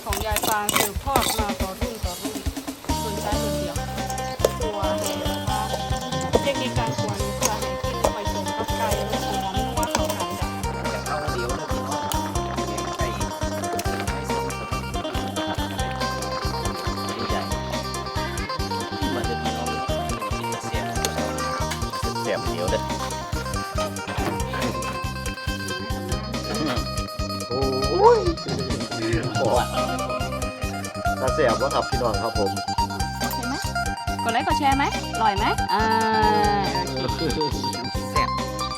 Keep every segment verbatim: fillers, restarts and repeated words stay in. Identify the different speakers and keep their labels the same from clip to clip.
Speaker 1: ของยายฟางสืบทอดมาต่อรุ่นต่อรุ่นส่วนใช้รุ่นเดียวตัวให้นะคะเทคนิคการควรเพื่อให้กินไปส่งกับไก่และหอมนัวเข้ากันจ้ะ
Speaker 2: จากข้าวเดียวนะพี่น้องแกงไก่ไม่ส้มสดใหญ่มาเดี๋ยวพี่น้องกินเสียบเสียบเดียวเด้อโอ้ยโอ้ยตาเสียบว่าครับพี่น้องครับผม
Speaker 1: เห็นไหมกดไลค์กดแชร์ไหมอร่อยไหมอ่า
Speaker 2: แซ่บ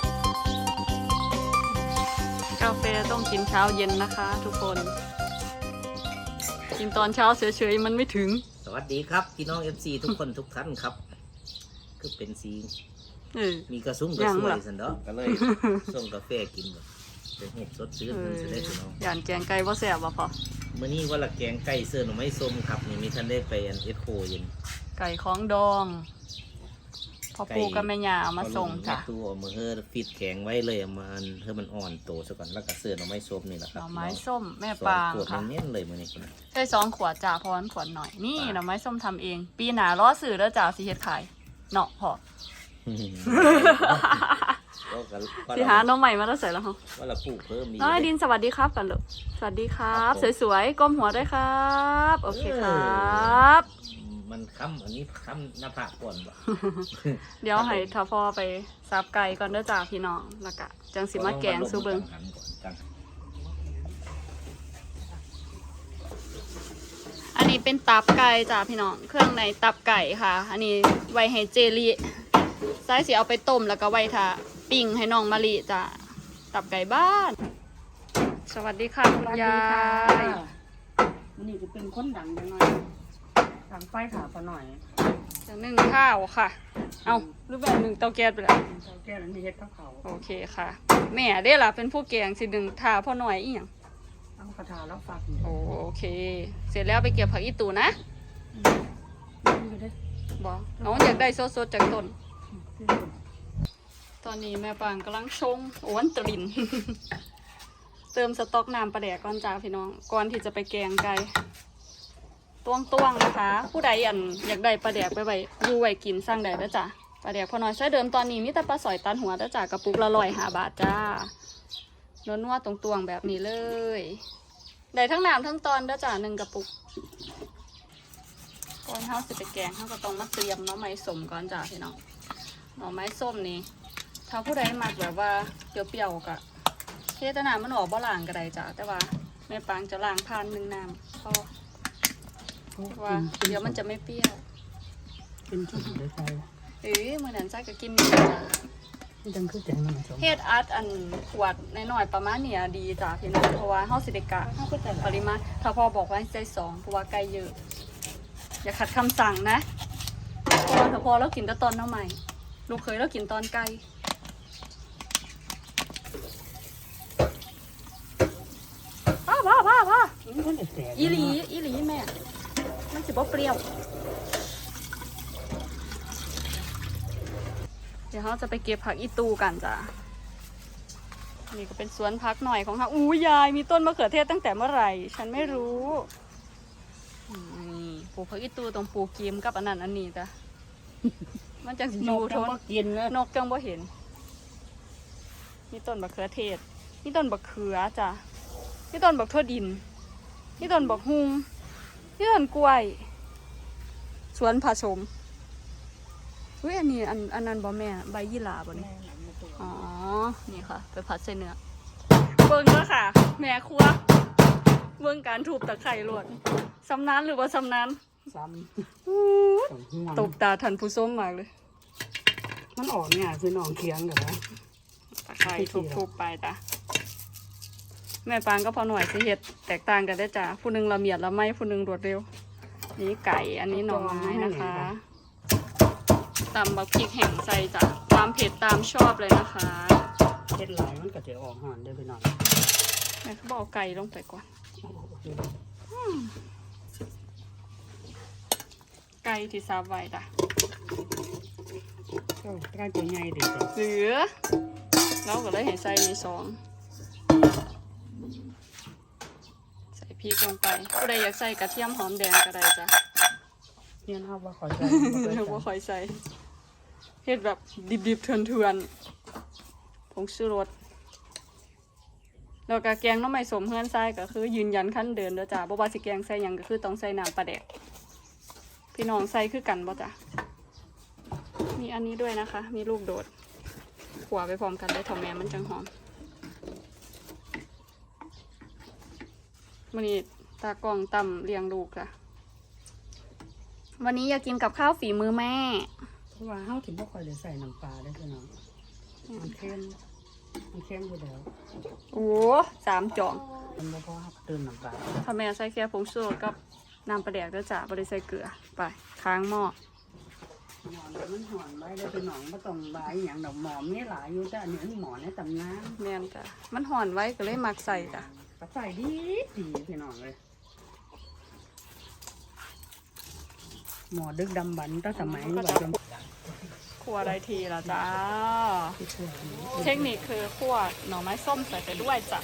Speaker 1: กาแฟต้องกินเช้าเย็นนะคะ ทุกคน กินตอนเช้าเฉยๆมันไม่ถึง
Speaker 2: สวัสดีครับพี่น้อง เอฟ ซี ทุกคนทุกท่านครับคือเป็นสี
Speaker 1: เออ
Speaker 2: มีกระซุ้มกระ
Speaker 1: ยัง
Speaker 2: ซว
Speaker 1: เหร
Speaker 2: ย
Speaker 1: อ
Speaker 2: สันเนาะก็เลยส่งกาแฟกินแบบเป็นเห็ดสดชื่น
Speaker 1: เอ
Speaker 2: มัน
Speaker 1: อ
Speaker 2: จะได้พี่น้อง
Speaker 1: ย่านแกงไก่บ่แซ่บบ่พอ
Speaker 2: เมื่อนี้ว่าละแกงไก่เสื้อหน่อไม้ส้มครับนี่มีท่านได้ไปอันเอสโคเย็น
Speaker 1: ไก่ของดองพอปูกับแม่ยาเอามาส่งจ้ะ
Speaker 2: ตัวเอามือเฮอฟิตแข็งไว้เลยเอามาเฮอมันอ่อนโตซะก่อนแล้วก็เสื้อหน่อไม้ส้มนี่แหละค
Speaker 1: ห
Speaker 2: รับ
Speaker 1: น่อไม้ส้มแม่
Speaker 2: สอ
Speaker 1: ปาง ง
Speaker 2: ขวด
Speaker 1: ค่ะ
Speaker 2: เน้นๆเลยมื่อนี้คนน่ะ
Speaker 1: ใช่สองขวดจ้าเพราะมันขวดหน่อยนี่หน่อไม้ส้มทำเอง ปีหนาล้อสื่อแล้วจ้าสิเฮ็ดขายเนาะพอ
Speaker 2: ก็ก็
Speaker 1: สิหาหน้องใหม่มาแล้วใส่แล้วเหรอ
Speaker 2: ว่าเราปลูกเพิ่มดี
Speaker 1: น้องไอดินสวัสดีครับกันลูกสวัสดีครับ สวยๆก้มหัวด้วยครับโอเคครับ
Speaker 2: มันค้ำอันนี้ค้ำหน้าผากก่อนบ่
Speaker 1: เดี๋ยวให้ทาพอไปซับไก่ก่อนเด้อจ้าพี่น้องแล้วก็จังสิมาแกงซูเบิง
Speaker 2: หันก่อนกัน
Speaker 1: อันนี้เป็นตับไก่จ้าพี่น้องเครื่องในตับไก่ค่ะ อันนี้ไว้ให้เจลีไส้สิเอาไปต้มแล้วก็ไว้ทาปิ้งให้น้องมะลิจ้าตับไก่บ้าน สวัสดีค่ะคุณยาย
Speaker 3: มันนี่จะเป็นคนดังจังหน่อยดังไฟขาพอหน่อย
Speaker 1: จะนึ่งข้าวค่ะ เอาหรือแบบหนึ่งเตาแก๊สไปแล้ว
Speaker 3: เจ้าแก้วนั้นที่เฮ็ดข้าวเขา
Speaker 1: โอเคค่ะ แม่เด้ล่ะเป็นผู้แกงสิหนึ่งทาพ่อหน่อยอีหยัง
Speaker 3: เอากระทาแล้วฝาก
Speaker 1: โอโอเค เสร็จแล้วไปเก็บผักอีตูนะ
Speaker 3: นี่ก็ได้
Speaker 1: บอกน้องอยากได้สดๆจากต้น ตอนนี้แม่ปางกำลังชงโอ้วนตริน เติมสต๊อกน้ำปลาแดกก่อนจ้าพี่น้อง ก่อนที่จะไปแกงไก่ตวงตวงๆนะคะ ผู้ใดอันอยากได้ปลาแดกไปไว้อยู่ไว้กินสร้างได้แล้วจ้ะปลาแดกพอน้อยใช้เดิมตอนนี้มีแต่ปลาสอยตันหัวแล้วจ้ะกระปุกละร้อยห้าบาทจ้าเนื้อนัวตรงตวงๆแบบนี้เลยได้ทั้งน้ำทั้งตอนแล้วจ้ะหนึ่งกระปุกก่อนเฮาสิไปแกงเฮาก็ต้องมาเตรียมหน่อไม้ส้มก่อนจ้าพี่น้องหน่อไม้ส้มนี่ถ้าผู้ใดมักแบบว่าเปรี้ยวๆกะเทศนามันออกบ่ล่างก็ได้จ้ะแต่ว่าแม่ปางจะล้างผ่านหนึ่งน้ำพอว่าเดี๋ยวมันจะไม่เปรี้ยว
Speaker 3: เป็นชุดเลยไป
Speaker 1: เอ้ยมื่อนั้นจ้าก็กินอยู่จ้ะ
Speaker 3: ที่ดังคือแกงมันสม
Speaker 1: เฮ็ดอัดอันขวดน้อยๆประมาณเนี้ยดีจ้ะพี่น้องเพราะว่าเฮาสิได้กะ
Speaker 3: ข้าวก็แต่
Speaker 1: ปริมาณถ้าพ่อบอกว่าให้ใส่สองเพราะว่าไก่เยอะ อย่าขัดคำสั่งนะเพราะว่าถ้าพ่อเรากินแต่ตอนน้ำใหม่ลูกเคยเรากินตอนไก่พ่อพ่อพ่อพ่อ
Speaker 3: มันก็แตก
Speaker 1: อีหลีอีหลีแม่มันสิบ่เปรี้ยวเดี๋ยวเราจะไปเก็บผักอีตูกันจ้ะนี่ก็เป็นสวนพักหน่อยของเขาอู้ยายมีต้นมะเขือเทศตั้งแต่เมื่อไหร่ ฉันไม่รู้นี่ปลูกผักอีตูตรงปลูกกีมกับอันนั้นอันนี้จ้ะ มันจังสิ
Speaker 3: น
Speaker 1: อยู่
Speaker 3: ก
Speaker 1: ท
Speaker 3: ทั้ง
Speaker 1: น
Speaker 3: บ่กินเลย
Speaker 1: นกจังบ่เห็นนี่ต้นบักเขือเทศนี่ต้นบักเขือจ้ะนี่ต้นบักทั่วดินนี่ต้นบักฮุงนี่ต้นกล้วย สวนผสมอุ้ยอันนี้อันอันนั้นบ่แม่ใบยี่หร่าบ่นี่อ๋อนี่ค่ะไปผัดใส่เนื้อเบิ่งแล้วค่ะ แม่ครัวเบิ่งการถูบตะไคร่ลวดสำนานหรือว่าสำนาน
Speaker 3: ซ้
Speaker 1: อู้
Speaker 3: ำต้องห่วง
Speaker 1: ตบตาทันผู้ส้มมากเลย
Speaker 3: มันออกเนี่ยคือน้องเคียงกับว่า
Speaker 1: ตะไคร่ทุบๆไปจ้ะแม่ปางก็พอหน่อยสิเฮ็ดแตกต่างกันได้อจ้ะผู้หนึงละเมียดละไม้ผู้หนึงรวดเร็วนี่ไก่อันนี้หน่อไม้นะคะตำบักพริกแห้งใส่จ้ะความเผ็ดตามชอบเลยนะคะ
Speaker 3: เฮ็ดหลายมันก็จะออกหอนได้ไปหน่อย
Speaker 1: แม่เขาบอกเอาไก่ลงไปก่อนไก่ที่ซับไว้จ้ะ
Speaker 3: เจ้าใกล้ตัวใหญ่ดิจ้ะ
Speaker 1: เหลือเราก็เลยเห็นใส่มีสองใส่พริกลงไปผู้ใดอยากใส่กระเทียมหอมแดงก็ได้จ้ะ
Speaker 3: เนี่ยนะครับว่าขอใจ
Speaker 1: เราบ่ค่อยใส่เฮ็ดแบบดิบๆเถื่อนๆผงชูรสแล้วก็แกงหน้ำไม้สมเฮือนทรายก็คือยืนยันขั้นเดินเด้อจ้ะบ่ว่าสิแกงใส่หยังก็คือต้องใส่น้ำปลาแดกพี่น้องใส่คือกันบ่จ้ะมีอันนี้ด้วยนะคะ มีลูกโดดขัวไปพร้อมกันเลยถ่อแม่มันจังหอมมื้อนี้ตากล้องตำเลี้ยงลูกจ้ะวันนี้อยากกินกับข้าวฝีมือแม่
Speaker 3: เพราะว่าเฮาถึงบ่ค่อยได้ใส่น้ำปลาได้พี่น้องมันเค็มมันเค็มอยู่แล้ว
Speaker 1: โอ้สามจ่อง
Speaker 3: มันบ่พอครับเติมน้ำปลา
Speaker 1: ถ้าแม่ใส่แค่ผงชูรสกับน้ำปลาแดกด้วยจ้ะบ่ได้ใส่เกลือไปค้างหม้อ
Speaker 3: หมอนมันหอนไว้แล้วพี่น้องบ่ต้องบายหยังดอกหมอมีหลายอยู่แต่อันนี้หมอในตำนาน
Speaker 1: แม่นจ้ะมันห่อนไว้ก็เลยมักใส่จ้ะ
Speaker 3: ก็ใส่ดีดีพี่น้องเลยหมอดึกดำบรรพ์ตั้งสมัยว่าจน
Speaker 1: คั่วได้ทีละจ้า
Speaker 3: ที่ช่วย
Speaker 1: เทคนิคคือคั่วหน่อไม้ส้มใส่ไปด้วยจ้ะ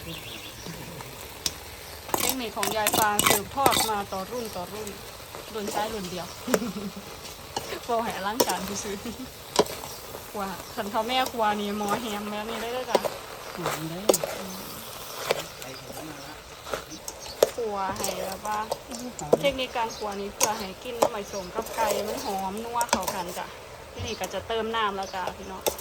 Speaker 1: เทคนิคของยายฟางสืบทอดมาต่อรุ่นต่อรุ่นรุ่นซ้ายรุ่นเดียว โปรแห่ร่างการที่ซื้อคั่วขันเท่าแม่คั่วนี่หมอแฮมแม่นี่ได้เลยจ้ะ
Speaker 3: หอมได้
Speaker 1: คั่วให้แบบว่า
Speaker 3: หอม
Speaker 1: เทคนิคการคั่วนี้เพื่อให้กินหน้ำไม้สมกับไก่มันหอมนัวเข้ากันจ้ะที่นี่ก็จะเติมน้ำแล้วจ้ะพี่น้อง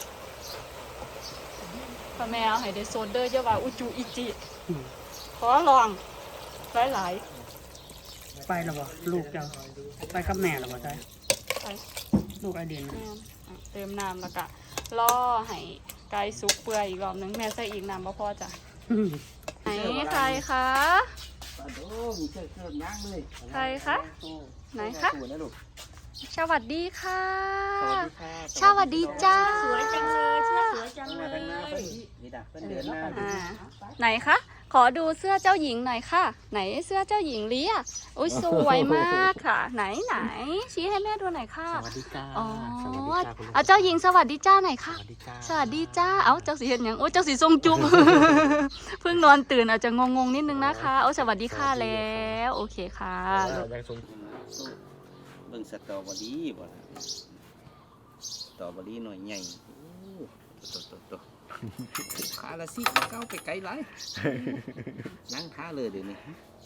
Speaker 1: พ่อแม่เอาให้ได้โซดเดอร์เยอะว่าอุจูอิจิ
Speaker 3: อืม
Speaker 1: ขอลองหลายหลาย
Speaker 3: ไปแล้วบ่ลูกเจ้าไปกับแม่แล้วบ่ใช่
Speaker 1: ๆไป
Speaker 3: ลูกไอเดียน
Speaker 1: แม่นอ่ะเติมน้ำแล้วก็ล่อให้ไก่สุกเปื่อยอีกรอบนึงแม่ใส่อีกน้ำบ่พอจ้ะไหนใครคะ
Speaker 2: ปลาโดงเชิดเชิดย่างเลย
Speaker 1: ใครคะไหนคะ
Speaker 2: สวยนะลูก
Speaker 1: สวัสดีค่ะ
Speaker 2: สวัสดีค่ะ
Speaker 1: สวัสดีจ้า
Speaker 3: สวยจังเลยเชื่อสวยจังเล
Speaker 2: มาย ทางหน้าเพิ่นนี่ดักเพิ่นเดินหน้า
Speaker 1: อ่า ไหนคะขอดูเสื้อเจ้าหญิงหน่อยค่ะ ไหนเสื้อเจ้าหญิงเลียอุ้ยสวยมากค่ะ ไหนไหนชี้ให้แม่ดูหน่อยค่ะ
Speaker 2: สวัสดีจ้า
Speaker 1: อ๋อ
Speaker 2: สวัสดีจ้าคุณลูก
Speaker 1: เอาเจ้าหญิงสวัสดีจ้าหน่อย
Speaker 2: ส
Speaker 1: ค่ะ
Speaker 2: วัสดีจ้า
Speaker 1: สวัสดีจ้า เอาเจ้าสีเห็นยังโอ้เจ้าสีทรงจุ๊บ เพิ่งนอนตื่นอาจจะงงๆนิดนึงนะคะโอ้สวัสดีค่ะแล้ว โอเคค่ะลูก
Speaker 2: ยังสมเบิ่งสตรอเบอรี่บ่ล่ะสตรอเบอรี่หน่อยใหญ่โอ้โตโตโตขาละสิเก้าไปไกลหลายนั่งท่าเลยเดี๋ยวนี้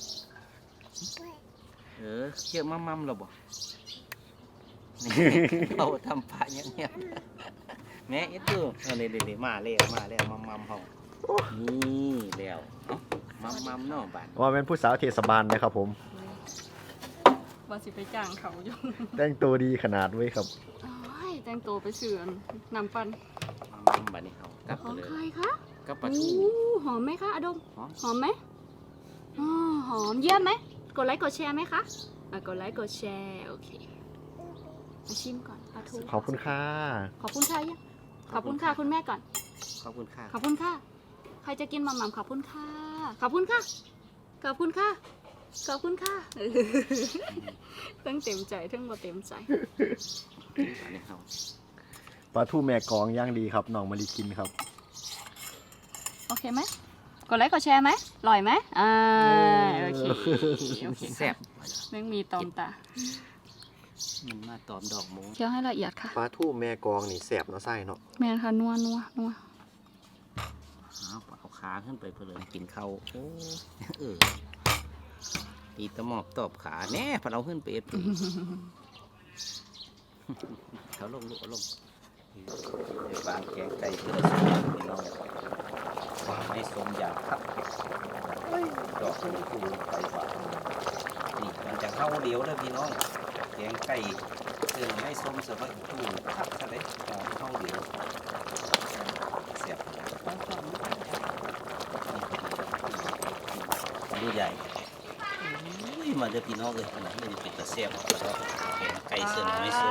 Speaker 2: เออเชื่อมั่มๆแล้วบ่เราทำปลาเงียบๆแม่เอ็ดดูเอาเดี๋ยวๆมาแล้วมาแล้วมั่มๆเฮานี่แล้วเอ้ามั่มๆเนาะบ้าน
Speaker 4: ว่าเป็นผู้สาวเทศบาลนะครับผม
Speaker 1: ว่าสิไปจ้างเขาอยู่
Speaker 4: แต่งตัวดีขนาดไว้ครับ
Speaker 1: โอ้ยแต่งตัวไปเสือนนำปัน
Speaker 2: มั่มๆบัดนี้เฮากลับ
Speaker 1: ข
Speaker 2: ไป
Speaker 1: อง
Speaker 2: เลย
Speaker 1: ใครคะ
Speaker 2: กลับปลา
Speaker 1: โอ้
Speaker 2: ทู
Speaker 1: หอมไหมคะอดม
Speaker 2: หอม
Speaker 1: หอมไหมอ๋อหอมเยี่ยมไหมกดไลค์กดแชร์ไหมคะอ่ะกดไลค์กดแชร์โอเคมาชิมก่อนปลาทู
Speaker 4: ขอบคุณค่ะ
Speaker 1: ขอบคุณค่ะยังขอบคุณค่ะคุณแม่ก่อน
Speaker 2: ขอบคุณค่ะ
Speaker 1: ขอบคุณค่ะ ใครจะกินหม่ำๆขอบคุณค่ะ ขอบคุณค่ะ ขอบคุณค่ะ ขอบคุณค่ะเออทั้งเต็มใจทั้งบ่เต็มใจ
Speaker 2: อันนี้เขา
Speaker 4: ปลาทูแม่กองย่างดีครับน้องมารีกินครับ
Speaker 1: โอเคไหมกดไลค์กดแชร์ไหมอร่อยไหมอ่าโอเคโอเค
Speaker 2: แซ่บ
Speaker 1: แม่งมีตอมตา
Speaker 2: มันมาตอมดอกหมู
Speaker 1: เคี้ยวให้ละเอียดค่ะ
Speaker 4: ปลาทูแม่กองนี่แสบเนาะไส้เนาะ
Speaker 1: แม่นค่ะนัวนัวนัว
Speaker 2: เอาเอาขาขึ้นไปเพื่อกินข้าวโอ้เออตีตะหมอบตอบขาแน่พอเราขึ้นไปเอ็ดปีเขาลงลุกลงในบางแกงไก่เพื่อสุดพี่น้องไม่สมอยากครับดอกคูคูไปว่านี่มันจะเข้าเดียวเลยพี่น้องแกงไก่เสื่อไม่ส้มเสือไม่ตู้คักซะเลยเข้าเดียวเสียบดูใหญ่มาเดี๋ยวพี่น้องเลยขนาดนี้เป็นตะเสียบแล้วก็แกงไก่เสื่อไม่ส้ม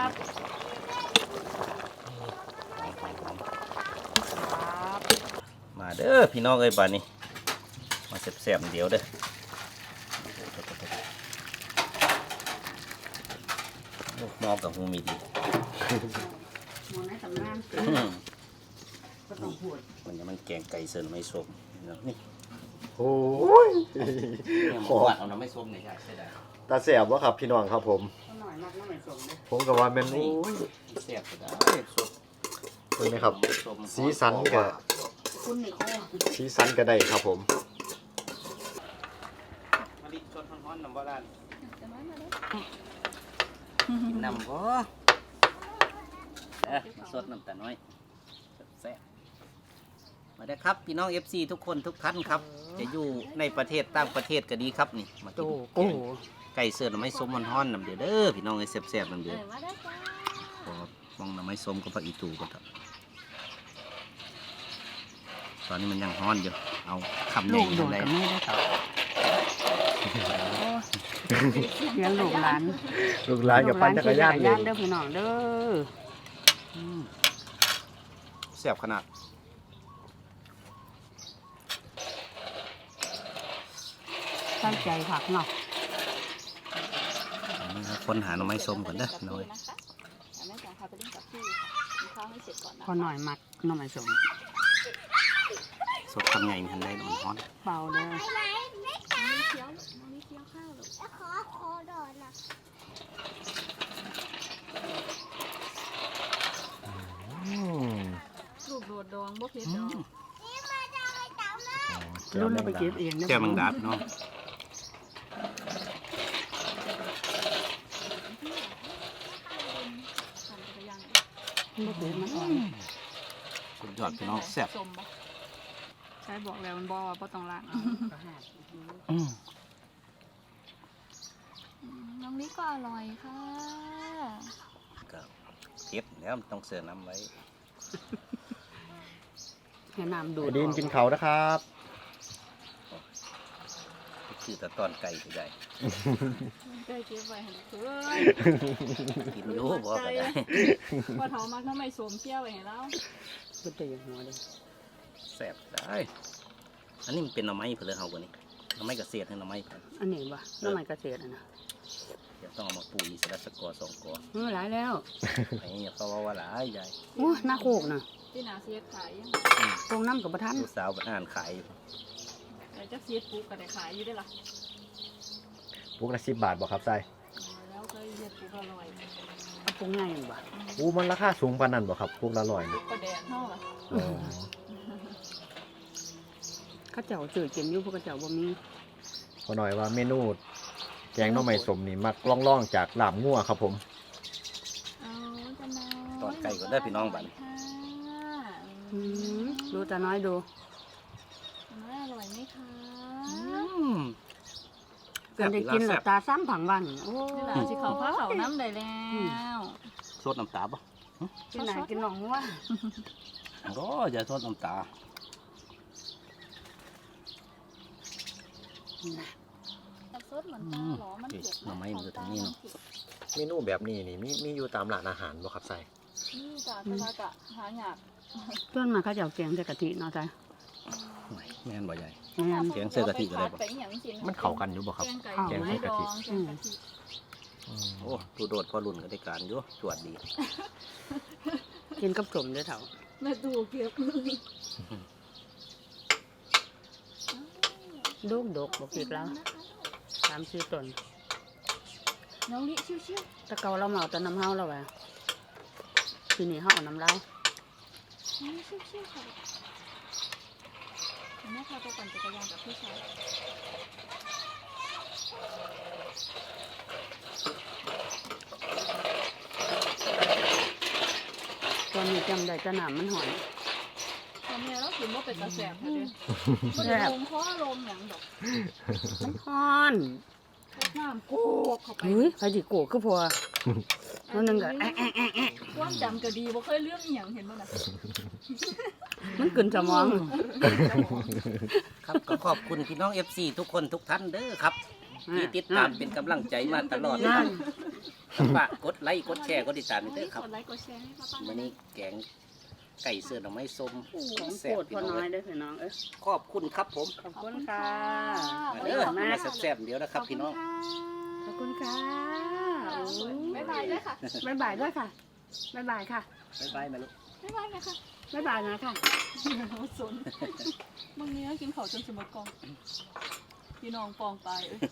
Speaker 2: มาเด้อพี่น้องเลยบ้านนี้มาเสียบๆเดียวเด้อลูกน้องกับหูมีดี
Speaker 3: หมอในตำนานก็ต้องพูด
Speaker 2: มันจะมันแกงไก่เสิร์นไม่ส้มนี่
Speaker 4: โอ้ย
Speaker 2: เนี่ยหมูหวานเอาน้ำไม่ส้มเนี่ยใช่ใช่ได้
Speaker 4: ตาแสบวะครับพี่น้องครับผม
Speaker 3: หน่อยมากน้ำไม่สมเลย
Speaker 4: ผมกับว่าแมันโอ้ย
Speaker 2: แซ่บก็ได้สด
Speaker 4: เห็นไหมครับ
Speaker 2: ส้ม
Speaker 4: สีสันก็
Speaker 3: คุณนี่ข้อ
Speaker 4: สีสันก็ได้ครับผม
Speaker 2: มาดิสดร้อนๆน้ำโบราณ
Speaker 1: จะน้อยมาเด้อ
Speaker 2: กินน้ำก็เอ๊ะมาสดน้ำตาน้อยแซ่บมาได้อครับพี่น้อง เอฟ ซี ทุกคนทุกท่านครับ จะอยู่ในประเทศต่างประเทศก็ดีครับนี่มา
Speaker 3: โต
Speaker 2: กิน
Speaker 3: โอ้
Speaker 2: ไก่เสือน้ำไม้ส้มมันฮ้อนน้ำเดือดเด้อพี่น้องไอ้แซ่บๆน้ำ
Speaker 1: เอ
Speaker 2: เดือด
Speaker 1: อมาได้จ้า
Speaker 2: พอมองน้ำไม้ส้มกับผักอีตูกันครับตอนนี้มันยังฮ้อนอยู่เอาคำให
Speaker 3: ลู
Speaker 2: ญ่
Speaker 3: กโดด
Speaker 2: ทำได้
Speaker 3: กับแม่ได้ต่อเลี้ยงลูกหลาน
Speaker 4: ลูกหลานกับปั่นจักรยาน
Speaker 3: ลู
Speaker 4: เล
Speaker 3: กหล
Speaker 4: ย
Speaker 3: เด้อพี่น้องเด้อ
Speaker 2: อืมแซ่บขนาด
Speaker 3: ตั้งใจผักเนาะ
Speaker 2: เอานะครับคนหาหน่อไม้ส้มก่อนเด้อน้อย
Speaker 1: แม่จ๋าพาไปเล่นกับพี่กินข้าวให้เสร็จก่อนนะ
Speaker 3: พอหน่อยมักน้ำไม่สม
Speaker 2: สดคำใหญ่มันได้มันฮ้อน
Speaker 3: เบาเด้อ
Speaker 1: น้องนี่เคี้ยวน้องนี่เคี้ยวข้าวลูก
Speaker 5: ขอขอดอนนะ
Speaker 4: อืม
Speaker 1: ลูกโดดดองบ่เผ็ดดอก
Speaker 5: นี่มาจะไปเต่ามา
Speaker 3: รุ่นเราไปเก็บเอง
Speaker 2: แก้วแมงดาเนาะ
Speaker 1: ปั่นจักรยาน
Speaker 3: ไม่เก็บมันอ่อน
Speaker 2: สุดยอดพี่น้องแซ่บ
Speaker 1: ส้มบ่ใช่บอกแล้วมันบ่ว่าบ่ต้องล้างเอา
Speaker 3: ก็หา
Speaker 2: อืม
Speaker 1: น้องนี่ก็อร่อยค่ะ
Speaker 2: ก็เก็บแล้วมันต้องเสือน้ำไว้
Speaker 3: ให้น้ำดู
Speaker 4: ไอ
Speaker 3: ด
Speaker 4: ดินกินเขาวนะครับ
Speaker 2: คือแต่ตอนไก่ก็ได้
Speaker 1: ได้เก็บไว้ให้เพื่อน
Speaker 2: กินรู้บ่ก็ได้
Speaker 1: พอเฒ่ามักน้ำไม่สมเปรี้ยวไว้ให้เรา
Speaker 3: ก็จะอย่างหัวเลย
Speaker 2: แซ่บได้อันนี้มันเป็นหน่อไม้เพื่อเฮากว่านี้หน่อไม้กระเสียดให้หน่อไม้เพิ่น
Speaker 3: อันนี้บ่น้ำมันเกษตรอ่ะนะ
Speaker 2: เดี๋ยวต้องเอามาปูอีกสักสกอร์สองกอ
Speaker 3: เออหลายแล้ว
Speaker 2: ไอ้เนี่ยเขาว่าว่าหลายใหญ่
Speaker 3: โอ้หน้าโคกน่ะ
Speaker 1: ที่หนาเสียดขายยัง
Speaker 3: ตรงน้ำกับประทัน
Speaker 2: ลูกสาวมันอ่านขายอยู่
Speaker 1: แต่จักเสียดปุ๊กก็ได้ขายอยู่ได้อล่ะ
Speaker 4: พวกละสิบบาทบอกครับไส้
Speaker 1: แล้วเคยเสียดปุ๊กอร่อย
Speaker 3: เอาปรุงง่ายบ่
Speaker 4: อู้มันราคาสูงปานนั้นบ่ครับพวกละร้อยนี่
Speaker 1: ก็แดดเท่าล่ะ
Speaker 4: อ๋อ
Speaker 3: ข้าเจ้าสื่อกินอยู่พวกข้าเจ้าบ่มี
Speaker 4: พอหน่อยว่าเมนูแกงหน่อไม้สมนี่มักล่องๆจากลาบงัวครับผม
Speaker 1: เอาจะน้อย
Speaker 2: ตอนไก่ก็ได้พี่น้องบัด
Speaker 1: ค่ะ
Speaker 3: อืมดูตาน้อยดู
Speaker 1: น้อยอร่อยไหมคะ
Speaker 3: กันได้กินหลับตาซ้ำผังวันโอ้
Speaker 1: นี่แหละสิเขาผ้าเขาน้ำได้แล้ว
Speaker 2: สดน้ำตาปะ
Speaker 3: กินไหนกินหนองว่า
Speaker 2: โอ้อย่าสดน้ำตา
Speaker 1: แต่ซดเหมือนตาหรอมันเผ็ด
Speaker 2: หน่อไม้มันจะทางนี้เนาะ
Speaker 4: เมนูแบบนี้นี่มีมีอยู่ตามร้านอาหารบ่ครับไส้
Speaker 1: นี่จ้ะแต่ว่ากะหาหยาบ
Speaker 3: เพื่อนมาข้าเจ้าแกงใส่กะทิเนาะจ้ะ
Speaker 2: ไม่แม่นบ่ใหญ่
Speaker 3: แม่น
Speaker 2: แกงใส่กะทิก็ได้ปะ
Speaker 1: ปอหย่างสิ
Speaker 4: มันเข้ากันอยู่บ่ครับ
Speaker 1: แกงไก่
Speaker 4: แกงใส่กะทิ
Speaker 1: ดองแกงกะทิ
Speaker 4: อืม
Speaker 2: โอ้ตูโดดพอรุ่นก็ได้การอยู่จวดดี
Speaker 3: กินกับสมเด้อเถ่า
Speaker 1: แม่ดูเก็บ
Speaker 3: ลูกดกบอกผิดแล้วสามสี่ต้น
Speaker 1: น้องลิชิว
Speaker 3: แตะเกาเราเมาแต่น้ำเฮาแล้วว่ะทีนี้เฮาเอาน้ำเรา
Speaker 1: ๆน้องลิชิวๆค่ะแม่พาไปปั่นจักรยานกับพี่ชาย
Speaker 3: ตอนนี้จำได้แต่น้ำมันหอน
Speaker 1: ตอนนี้เรากินว่าเป็นตาแสบเลยมันลมเพราะลมอย่างดอก
Speaker 3: มันหอน
Speaker 1: น้ำโกกเข้าไป
Speaker 3: เฮ้ยใครสิโกรธก็พอนั่นนึงก็แอะแอะแอะแอะ
Speaker 1: ความจำก็ดีบ่เคยเรื่องอหย่างเห็นบ่น่ะ
Speaker 3: มันกลืนสมอง
Speaker 2: ครับก็ขอบคุณพี่น้อง เอฟ ซี ทุกคนทุกท่านเด้อครับที่ติดตามเป็นกำลังใจมาตลอด
Speaker 3: นั่น
Speaker 2: ฝากกดไลค์กดแชร์กดติดตามเด้อครับ
Speaker 1: กดไลค์กดแชร์ให้ป้าๆ
Speaker 2: วันนี้แกงไก่เสือหน่อไม้ส้ม
Speaker 3: ของ
Speaker 2: แซ่
Speaker 3: โปร
Speaker 2: บ
Speaker 3: ด
Speaker 2: พี่
Speaker 3: พอ
Speaker 2: น้อง
Speaker 3: น้อย
Speaker 2: เอ้ย
Speaker 3: เด้อพี่น้องเอ้ย
Speaker 2: ขอบคุณครับผม
Speaker 3: ขอบคุณค่ะ
Speaker 2: มาเด้อมาแซ่บๆเดี๋ยวนะครับพี่น้อง
Speaker 3: ขอบคุณค่ะ
Speaker 1: บ๊ายบายด้วยค่ะ
Speaker 3: บ๊ายบายด้วยค่ะบ๊ายบายค่ะ
Speaker 2: บ๊ายบายมาลูก
Speaker 1: บ๊ายบายนะคะ
Speaker 3: บ๊ายบายนะค่ะ
Speaker 1: สนบางนี้กินเขาวจนสมบกองพี่น้องปองตายเอ้ย